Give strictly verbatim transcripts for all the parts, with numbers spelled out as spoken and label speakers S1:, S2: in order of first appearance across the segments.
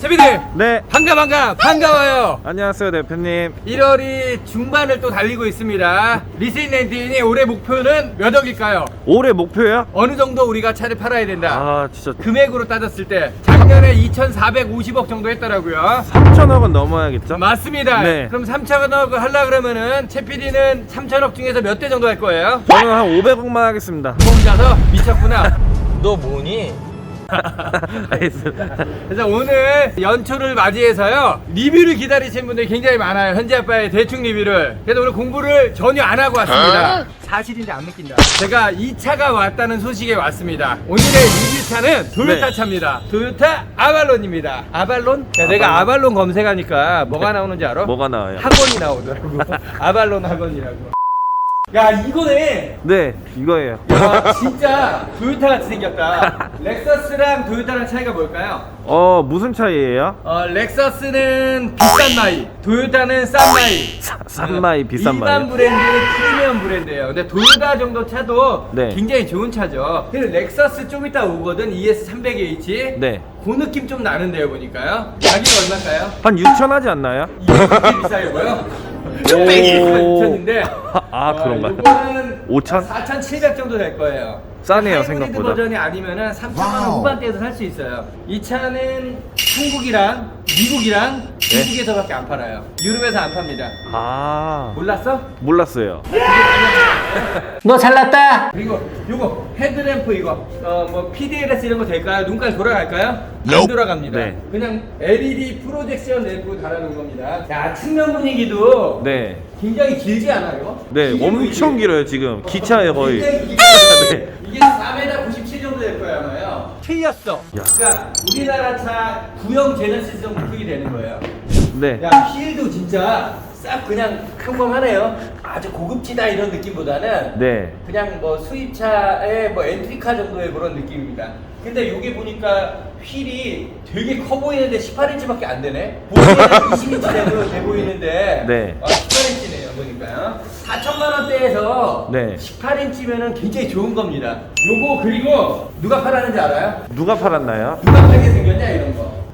S1: 채비들
S2: 네.
S1: 반가 반가 반가워요.
S2: 안녕하세요 대표님.
S1: 일월이 중반을 또 달리고 있습니다. 리스닝랜딩이 올해 목표는 몇 억일까요?
S2: 올해 목표요?
S1: 어느 정도 우리가 차를 팔아야 된다.
S2: 아 진짜
S1: 금액으로 따졌을 때 작년에 이천사백오십억 정도 했더라고요.
S2: 삼천억은 넘어야겠죠?
S1: 맞습니다.
S2: 네.
S1: 그럼 삼천억을 하려 그러면은 채 피디는 삼천억 중에서 몇 대 정도 할 거예요?
S2: 저는 한 오백억만 하겠습니다.
S1: 혼자서 미쳤구나. 너 뭐니?
S2: 알겠습니다.
S1: 그래서 오늘 연초를 맞이해서요 리뷰를 기다리시는 분들이 굉장히 많아요. 현지 아빠의 대충 리뷰를. 그래서 오늘 공부를 전혀 안 하고 왔습니다. 사실인지 안 믿긴다. 제가 이 차가 왔다는 소식에 왔습니다. 오늘의 리뷰 차는 도요타
S2: 네.
S1: 차입니다. 도요타 아발론입니다. 아발론? 야, 내가 아발론 검색하니까 뭐가 나오는지 알아?
S2: 뭐가 나와요?
S1: 학원이 나오더라고. 아발론 학원이라고. 야 이거네.
S2: 네 이거예요.
S1: 야 진짜 도요타 같이 생겼다. 렉서스랑 도요타랑 차이가 뭘까요?
S2: 어 무슨 차이예요?
S1: 어 렉서스는 비싼 마이, 도요타는 싼 마이.
S2: 싼 마이 비싼
S1: 일반
S2: 마이.
S1: 브랜드는 프리미엄 브랜드예요. 근데 도요타 정도 차도
S2: 네.
S1: 굉장히 좋은 차죠. 근데 렉서스 좀 이따 오거든. 이에스 삼백 에이치.
S2: 네.
S1: 그 느낌 좀 나는데요 보니까요. 가격이 얼마일까요?
S2: 한 육천 하지 않나요?
S1: 이게 그렇게 비싸요 보여? 육천인데
S2: 아 그런가요?
S1: 이거는
S2: 오천?
S1: 사천칠백 정도 될 거예요.
S2: 싸네요
S1: 하이브리드
S2: 생각보다.
S1: 버전이 아니면은 삼천만 원 후반대에서 살 수 있어요. 이 차는 한국이랑 미국이랑
S2: 네.
S1: 중국에서밖에 안 팔아요. 유럽에서 안 팝니다.
S2: 아
S1: 몰랐어?
S2: 몰랐어요.
S1: 너 잘났다. 그리고 요거 헤드램프 이거 어 뭐 피디엘에스 이런 거 될까요? 눈까지 돌아갈까요? 안 돌아갑니다.
S2: 네.
S1: 그냥 엘이디 프로젝션 램프 달아놓은 겁니다. 자 측면 분위기도
S2: 네.
S1: 굉장히 길지 않아요?
S2: 네
S1: 이게
S2: 엄청
S1: 보이지?
S2: 길어요 지금 기차에 거의.
S1: 굉장히 길어요.
S2: 네.
S1: 이게 사 미터 구십칠 정도 될 거예요 아마요. 틀렸어. 그러니까 우리나라 차 구형 제네시스 정도 크기 되는 거예요.
S2: 네.
S1: 야 휠도 진짜 싹 그냥 평범하네요. 아주 고급지다 이런 느낌보다는
S2: 네.
S1: 그냥 뭐 수입차의 뭐 엔트리카 정도의 그런 느낌입니다. 근데 여기 보니까 휠이 되게 커 보이는데 십팔 인치밖에 안 되네. 보기에는 이십 인치 정도 돼 보이는데
S2: 네.
S1: 아, 십팔 인치네요 보니까요. 사천만 원대에서
S2: 네.
S1: 십팔 인치면은 굉장히 좋은 겁니다. 요거 그리고 누가 팔았는지 알아요?
S2: 누가 팔았나요?
S1: 누가 팔게 생겼냐 이런 거.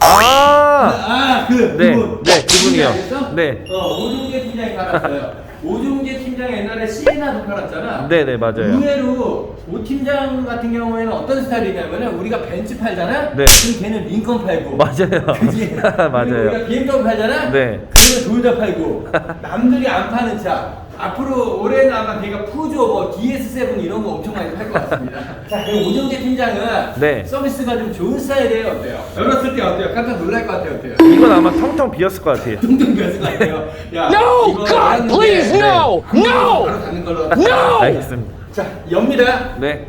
S2: 아.
S1: 아, 그
S2: 네,
S1: 그분.
S2: 네, 그분이요.
S1: 알겠어?
S2: 네.
S1: 어, 오종재 팀장이 팔았어요. 오종재 팀장 옛날에 시에나도 팔았잖아.
S2: 네네 맞아요.
S1: 의외로 오 팀장 같은 경우에는 어떤 스타일이냐면은 우리가 벤츠 팔잖아.
S2: 네.
S1: 그럼 걔는 링컨 팔고.
S2: 맞아요.
S1: 그지?
S2: 맞아요.
S1: 그리고 우리가 비엠더블유 팔잖아.
S2: 네.
S1: 그러면 도요타 팔고. 남들이 안 파는 차. 앞으로 올해는 아마 걔가 푸조, 뭐 디에스 세븐 이런 거 엄청 많이 팔 것 같습니다. 자, 그럼 오정재 팀장은
S2: 네.
S1: 서비스가 좀 좋은 스타일이에요. 어때요? 열었을 때 어때요? 깜짝 놀랄 것 같아요. 어때요?
S2: 이건 아마 텅텅 비었을 것 같아요.
S1: 둥둥 비었을 것 같아요. 야,
S3: No,
S1: 이거
S3: God,
S1: 열었는데
S3: please, no,
S1: 네.
S3: no,
S1: 바로 닫는 걸로.
S3: no.
S2: 알겠습니다.
S1: 자, 엽니다.
S2: 네.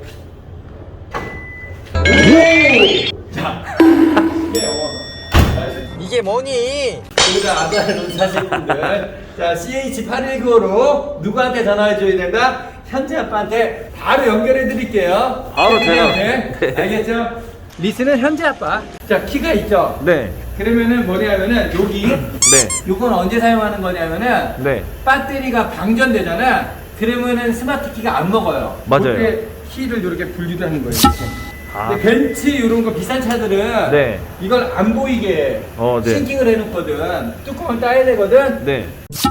S1: 자, 이게 이게 뭐니? 우리가 아들을 사실 분들. 자, 씨에이치 팔일구오로 누구한테 전화해줘야 된다? 현재 아빠한테 바로 연결해 드릴게요.
S2: 바로 제가.
S1: 네.
S2: 네.
S1: 알겠죠? 리스는 현재 아빠. 자, 키가 있죠?
S2: 네.
S1: 그러면은 뭐냐면은 여기
S2: 네.
S1: 요건 언제 사용하는 거냐면은
S2: 네.
S1: 배터리가 방전되잖아. 그러면은 스마트 키가 안 먹어요.
S2: 맞아요.
S1: 그때 키를 이렇게 분리도 하는 거예요. 이렇게.
S2: 아.
S1: 근데 벤츠 이런 거 비싼 차들은
S2: 네.
S1: 이걸 안 보이게
S2: 어, 네.
S1: 싱킹을 해놓거든. 뚜껑을 따야 되거든.
S2: 네.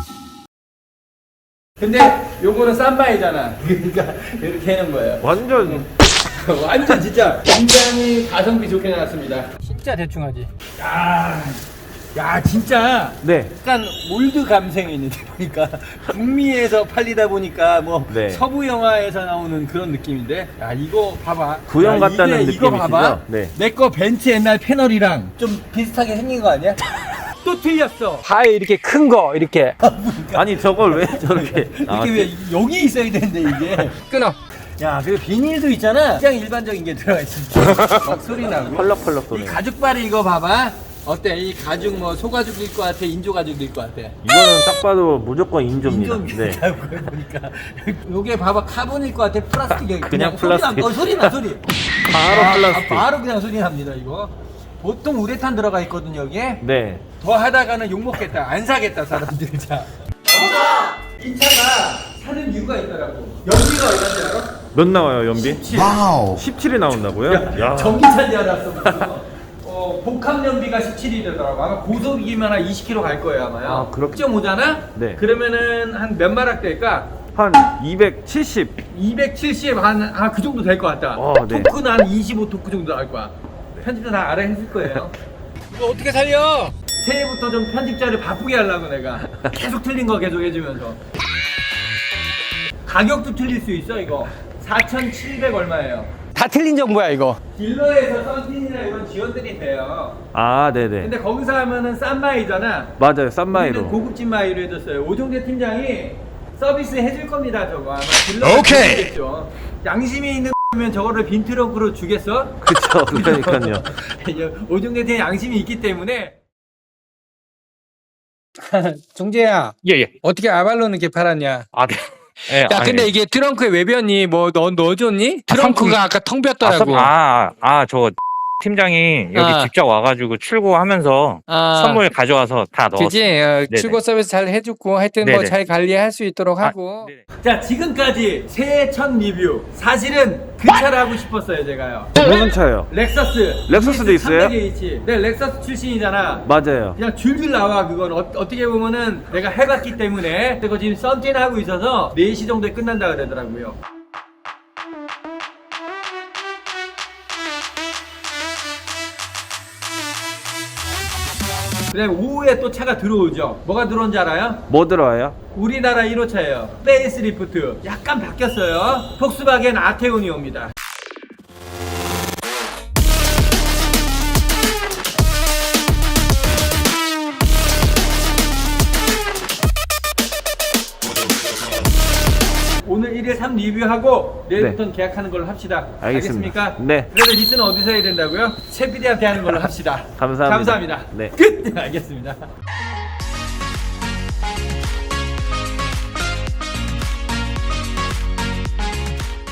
S1: 근데 요거는 싼 바이잖아. 그러니까 이렇게 해놓은 거예요.
S2: 완전
S1: 완전 진짜 굉장히 가성비 좋게 나왔습니다. 진짜 대충하지. 야, 야 진짜.
S2: 네.
S1: 약간 올드 감성이 있는데 보니까 북미에서 팔리다 보니까 뭐
S2: 네.
S1: 서부 영화에서 나오는 그런 느낌인데. 야 이거 봐봐.
S2: 구형
S1: 야,
S2: 같다는
S1: 이게, 이거
S2: 느낌이시죠?
S1: 봐봐.
S2: 네.
S1: 내 거 벤츠 옛날 패널이랑 좀 비슷하게 생긴 거 아니야? 또 틀렸어. 바에 이렇게 큰 거 이렇게.
S2: 아니 저걸 왜 저렇게 아,
S1: 이렇게 왜 여기 있어야 되는데 이게. 끊어. 야, 그리고 비닐도 있잖아. 그냥 일반적인 게 들어가 있어. 막 소리 나고.
S2: 펄럭펄럭
S1: 이
S2: 소리.
S1: 가죽발이 이거 봐봐. 어때? 이 가죽 뭐 소가죽일 것 같아? 인조가죽일 것 같아?
S2: 이거는 딱 봐도 무조건 인조입니다. 네.
S1: 인조입니다. 보니까. 요게 봐봐. 카본일 것 같아? 플라스틱이.
S2: 그냥
S1: 소리 나,
S2: 플라스틱.
S1: 어, 소리 나, 소리.
S2: 바로
S1: 아,
S2: 플라스틱.
S1: 아, 바로 그냥 소리 납니다, 이거. 보통 우레탄 들어가 있거든요, 여기에.
S2: 네.
S1: 더 하다가는 욕먹겠다. 안 사겠다, 사람들. 자. 이 차가 사는 이유가 있더라고. 연비가 얼마인지 알아?
S2: 몇 나와요 연비?
S1: 십칠.
S2: 와우. 십칠이 나온다고요?
S1: 야, 전기차인 줄 알았어. 어, 어, 복합 연비가 십칠이 되더라고. 아마 고속이면 한 이십 킬로미터 갈 거예요 아마요.
S2: 아, 그렇-
S1: 점 오잖아?
S2: 네.
S1: 그러면은 한 몇 마력 될까?
S2: 한 이백칠십.
S1: 이백칠십 한 아 그 정도 될 것 같다.
S2: 어, 네.
S1: 토크는 한 이십오 토크 정도 나올 거야. 편집자 다 알아 했을 거예요. 이거 어떻게 살려? 새해부터 좀 편집자를 바쁘게 하려고 내가 계속 틀린 거 계속 해주면서. 가격도 틀릴 수 있어 이거. 사천칠백 얼마예요? 다 틀린 정보야 이거. 딜러에서 썬틴이나 이런 지원들이 돼요.
S2: 아, 네네.
S1: 근데 거기서 하면은 싼 마이잖아.
S2: 맞아요. 싼
S1: 우리는
S2: 마이로.
S1: 고급진 마이로 해줬어요. 오종재 팀장이 서비스 해줄 겁니다 저거. 아마 딜러가 주겠죠. 양심이 있는 면 저거를 빈트럭으로 주겠어?
S2: 그쵸. 그러니까요.
S1: 오종재 팀 양심이 있기 때문에. 종재야,
S3: 예예.
S1: 어떻게 아발론은 이렇게 팔았냐?
S3: 아 네. 예,
S1: 야,
S3: 아니,
S1: 근데 이게 트렁크에 왜 비었니? 뭐 너 넣어줬니?
S3: 아,
S1: 트렁크가
S3: 상품이-
S1: 아까 텅
S3: 아,
S1: 비었더라고.
S3: 아, 아, 저 팀장이 여기
S1: 아.
S3: 직접 와가지고 출고하면서
S1: 아.
S3: 선물 가져와서 다 넣었어요.
S1: 그지? 어,
S3: 네네.
S1: 출고 서비스 잘 해주고 하여튼 뭐
S3: 네네.
S1: 잘 관리할 수 있도록 하고.
S3: 아, 네네.
S1: 자, 지금까지 새해 첫 리뷰. 사실은 그 차를 하고 싶었어요 제가요.
S2: 무슨 차예요?
S1: 렉서스.
S2: 렉서스도 있어요?
S1: 삼백 에이치. 네, 렉서스 출신이잖아.
S2: 맞아요.
S1: 그냥 줄줄 나와. 그건 어, 어떻게 보면은 내가 해봤기 때문에. 그리고 지금 썬팅 하고 있어서 네 시 정도에 끝난다 그러더라고요. 그다음에 오후에 또 차가 들어오죠. 뭐가 들어온지 알아요?
S2: 뭐 들어와요?
S1: 우리나라 일 호차예요. 페이스리프트. 약간 바뀌었어요. 폭스바겐 아테온이 옵니다. 오늘 일 일 삼 리뷰하고 내일부터는 계약하는 걸로 합시다.
S2: 알겠습니다.
S1: 알겠습니까?
S2: 네.
S1: 그래도 리스는 어디서 해야 된다고요? 최 피디한테 하는 걸로 합시다.
S2: 감사합니다.
S1: 감사합니다.
S2: 네.
S1: 끝! 알겠습니다.